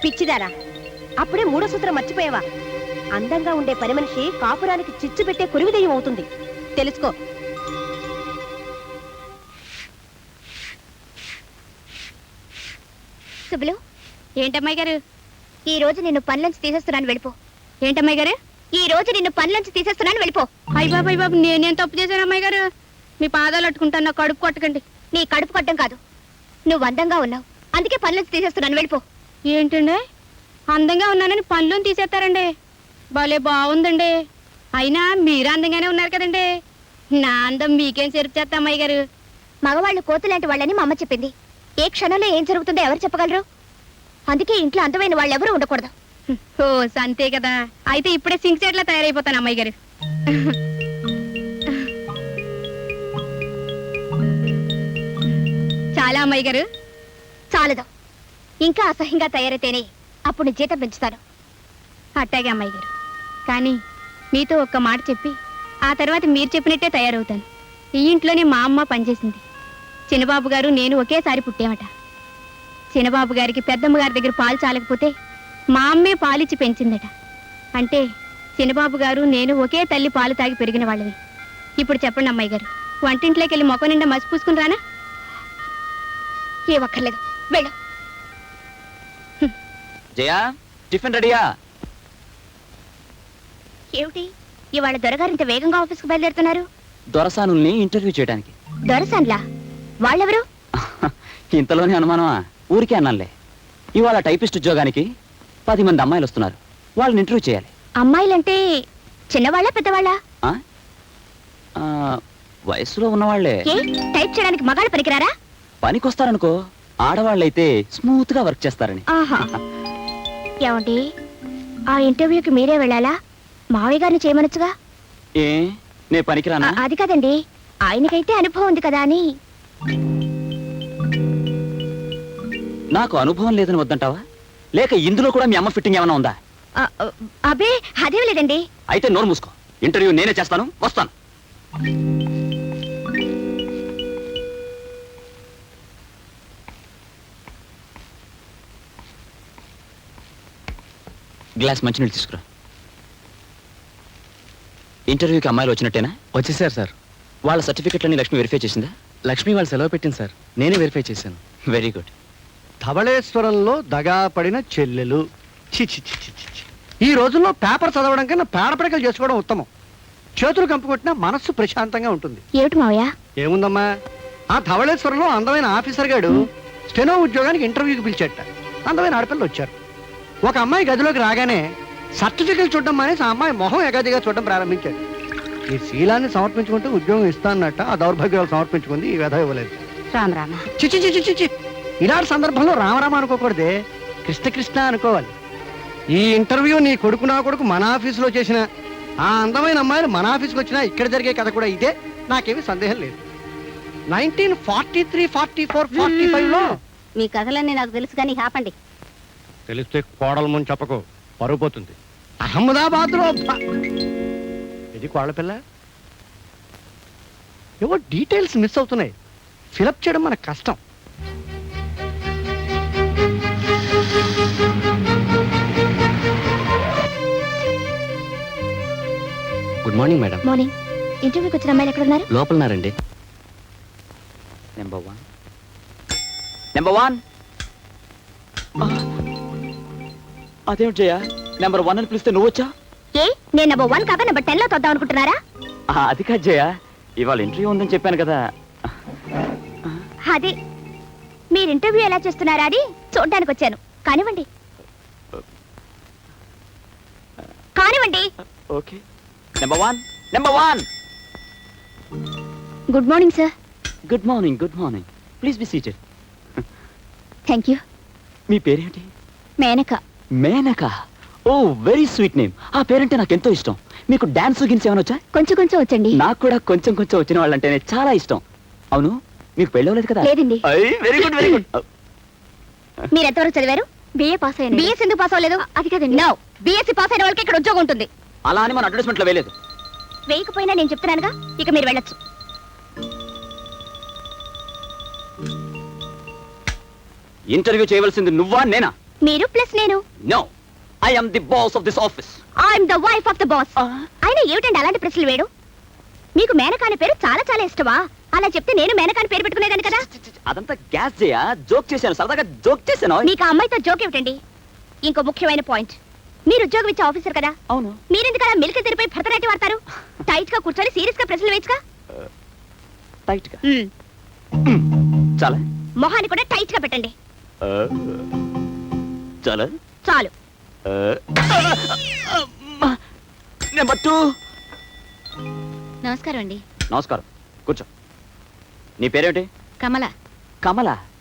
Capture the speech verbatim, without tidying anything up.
పిచ్చిదారా, అప్పుడే మూడో సూత్రం మర్చిపోయావా? అందంగా ఉండే పని మనిషి కాపురానికి చిచ్చు పెట్టే కురివిదయం అవుతుంది, తెలుసుకో. సుబ్బులు, ఏంటమ్మాయి గారు ఈ రోజు నిన్ను పనిలోంచి తీసేస్తున్నాను, వెళ్ళిపో. ఏంటమ్మాయి గారు ఈ రోజు నిన్ను పనిలోంచి తీసేస్తున్నాను, వెళ్ళిపో. అయ్య బాబు అయ్య బాబు, నేనేం తప్పు చేశాను అమ్మాయి గారు? మీ పాదాలు అట్టుకుంటాను, నా కడుపు కొట్టకండి. నీ కడుపు కొట్టడం కాదు, నువ్వు అందంగా ఉన్నావు అందుకే పనిలోంచి తీసేస్తున్నాను, వెళ్ళిపో. ఏంటండి, అందంగా ఉన్నానని పనిలోని తీసేస్తారండి? భలే బాగుందండి. అయినా మీరు అందంగానే ఉన్నారు కదండి. నా అందం మీకేం చెరుపు చేస్తా అమ్మాయి గారు? మగవాళ్ళు కోతులాంటి వాళ్ళని మా అమ్మ చెప్పింది. ఏ క్షణంలో ఏం జరుగుతుందో ఎవరు చెప్పగలరు? అందుకే ఇంట్లో అందమైన వాళ్ళు ఎవరు ఉండకూడదు. ఓ అంతే కదా, అయితే ఇప్పుడే సింక్ సెట్లా తయారైపోతాను అమ్మాయి గారు. చాలా అమ్మాయి గారు, చాలదు. ఇంకా అసహ్యంగా తయారైతేనే అప్పుడు జీతం పెంచుతాను. అట్టాగే అమ్మాయి గారు, కానీ మీతో ఒక్క మాట చెప్పి ఆ తర్వాత మీరు చెప్పినట్టే తయారవుతాను. ఈ ఇంట్లోనే మా అమ్మ పనిచేసింది. చిన్నబాబు గారు నేను ఒకేసారి పుట్టామట. చిన్నబాబు గారికి పెద్దమ్మ గారి దగ్గర పాలు చాలకపోతే మా అమ్మే పాలిచ్చి పెంచిందట. అంటే చిన్నబాబు గారు నేను ఒకే తల్లి పాలు తాగి పెరిగిన వాళ్ళవి. ఇప్పుడు చెప్పండి అమ్మాయి గారు, వంటింట్లోకి వెళ్ళి మొక్క నిండా మసి పూసుకుని రానా? ఏ ఒక్కర్లేదు, వెళ్ళు. జయా, టిఫిన్ రెడీయా? ఏమిటి ఇవాళ దొరగారు ఇంత వేగంగా ఆఫీస్కి బయలుదేరుతున్నారు? దొరసానుల్ని ఇంటర్వ్యూ చేయడానికి. దొరసాన్లా? వాళ్ళెవరు? ఇంతలోనే అనుమానమా? ఊరికే అన్నానులే. ఇవాళ టైపిస్ట్ ఉద్యోగానికి పది మంది అమ్మాయిలు వస్తున్నారు, వాళ్ళని ఇంటర్వ్యూ చేయాలి. అమ్మాయిలంటే చిన్నవాళ్ళ పెద్దవాళ్ళ? వయసులో ఉన్నవాళ్లే. టైప్ చేయడానికి మగాళ్ళు పనికిరారా? పనికొస్తారనుకో, ఆడవాళ్ళైతే స్మూత్ గా వర్క్ చేస్తారని. ఏమండి, ఆ ఇంటర్వ్యూకి మీరే వెళ్ళాలా? మావయ్య గారిని చేయమనొచ్చుగా. ఏ నే పనికిరానా? అది కదండి, ఆయనకైతే అనుభవం ఉంది కదా అని. నాకు అనుభవం లేదని వద్దంటావా, లేక ఇందులో కూడా మీ అమ్మ ఫిట్టింగ్ ఏమైనా ఉందా? అబే అదేం లేదండి. అయితే నోరు మూసుకో, ఇంటర్వ్యూ నేనే చేస్తాను, వస్తాను. గ్లాస్ మంచినీళ్ళు తీసుకురా. ఇంటర్వ్యూకి అమ్మాయిలు వచ్చినట్టేనా? వచ్చేసారు సార్. వాళ్ళ సర్టిఫికెట్లని లక్ష్మి వెరిఫై చేసిందా? లక్ష్మి వాళ్ళు సెలవు పెట్టింది సార్, నేనే వెరిఫై చేశాను. Very good. ధవళేశ్వరంలో దగా పడిన చెల్లెలు. చి చి చి చి చి. ఈ రోజుల్లో పేపర్ చదవడం కన్నా పేడపడకలు చేసుకోవడం ఉత్తమం. చేతులు కంపుకొట్టినా మనస్సు ప్రశాంతంగా ఉంటుంది. ఏమిటి మావయ్య? ఏముందమ్మా, ఆ ధవళేశ్వరంలో అందమైన ఆఫీసర్ గాడు స్టెనో ఉద్యోగానికి ఇంటర్వ్యూకి పిలిచేట. అందమైన ఆడపిల్లలు వచ్చారు. ఒక అమ్మాయి గదిలోకి రాగానే సర్టిఫికెట్ చూడడం మానేసి ఆ అమ్మాయి మొహం ఎగాదిగా చూడడం ప్రారంభించాడు. ఈ శీలాన్ని సమర్పించుకుంటూ ఉద్యోగం ఇస్తానన్నట్ట ఆ దౌర్భాగ్యాలు సమర్పించుకుంది, ఈ వ్యధ ఇవ్వలేదు. రామరామ. చిచి చిచి చిచి. ఇలాంటి సందర్భంలో రామరామ అనుకోకూడదే, కృష్ణ కృష్ణ అనుకోవాలి. ఈ ఇంటర్వ్యూ నీ కొడుకు నా కొడుకు మన ఆఫీసులో చేసిన ఆ అందమైన అమ్మాయిలు మన ఆఫీస్కి వచ్చినా ఇక్కడ జరిగే కథ కూడా ఇదే, నాకేమీ సందేహం లేదు. Nineteen forty three forty four forty five లో మీ కథలన్నీ నాకు తెలుసు కానీ ఆపండి. తెలిస్తే కోడల ముందు చెప్పకు, పరుగు పోతుంది. అహ్మదాబాద్ లో ఇది కోళ్ళ పిల్ల. ఏవో డీటెయిల్స్ మిస్ అవుతున్నాయి, ఫిలప్ చేయడం మనకు కష్టం. Good morning madam. మార్నింగ్. ఇంటర్వ్యూకి వచ్చిన అమ్మాయిలు ఎక్కడ ఉన్నారు? లోపలన్నారండి. నెంబర్ వన్ నెంబర్ వన్ అదేమిటి జయ, నెంబర్ వన్ అని పిలిస్తే నువ్వు వచ్చా? ఏ నేను నెంబర్ వన్ కాక నెంబర్ టెన్ లో తొద్దాం అనుకుంటున్నారా? అది కాదు జయ, ఇవాళ ఇంటర్వ్యూ ఉందని చెప్పాను కదా. అదే మీరు ఇంటర్వ్యూ ఎలా చేస్తున్నారా అని చూడడానికి వచ్చాను. కానివ్వండి కానివ్వండి. Okay. Number one number one good morning sir. Good morning good morning please be seated. Thank you. మీ పేరేంటి? Menaka. Menaka? Oh very sweet name. ఆ పేరంటే నాకు ఎంతో ఇష్టం. మీకు డాన్స్ గిన్స్ ఏమైనా వచ్చా? కొంచెం కొంచెం వచ్చండి. నాకు కూడా కొంచెం కొంచెం వచ్చిన వాళ్ళంటేనే చాలా ఇష్టం. అవును, మీకు పెళ్ళవలేదు కదా? లేదండి. Very good very good. మీరు ఎంతవరకు చదివారు? బిఏ పాస్ అయ్యాను. బిఎస్ ఎందుకు పాస్ అవ్వలేదు? అది కదండి. నో, బిఎస్సీ పాస్ అయిన వాళ్ళకి ఇక్కడ ఉద్యోగం ఉంటుంది. అలా అని మన అడ్వర్టైజ్మెంట్ లో వేయలేదు. వేయకపోయినా నేను చెప్తున్నానుగా, ఇక మీరు వెళ్ళొచ్చు. ఇంటర్వ్యూ చేయవలసింది నువ్వా నేనా? మీరు ప్లస్ నేను. No, I am the boss of this office. I'm the wife of the boss. అయినా ఏమిటండి అలాంటి ప్రశ్నలు వేడు? మీకు మేనకాని పేరు చాలా చాలా ఇష్టమా? అలా చెప్తే నేను మేనకాని పేరు పెట్టుకునేదాన్ని కదా. అదంతా గ్యాస్ చేయా, జోక్ చేశాను, సరదాగా జోక్ చేశాను. మీకు ఆ అమ్మాయితో జోక్ ఏమిటండి? ఇంకో ముఖ్యమైన పాయింట్, మీరు ఉద్యోగం ఇచ్చే ఆఫీసర్ కదా, అవును. మీరెందుకు అలా మిల్క్ తెరిపై భరతనాట్యం వాడతారు? టైట్ గా కూర్చొని సీరియస్ గా ప్రశ్నలు వేయచ్చుగా. టైట్ గా మ్మ్. చాలా మొహాన్ని కూడా టైట్ గా పెట్టండి. చాలా చాలు. Number two. నమస్కారం అండి. నమస్కారం, కూర్చో. నీ పేరేంటి? కమల. కమల.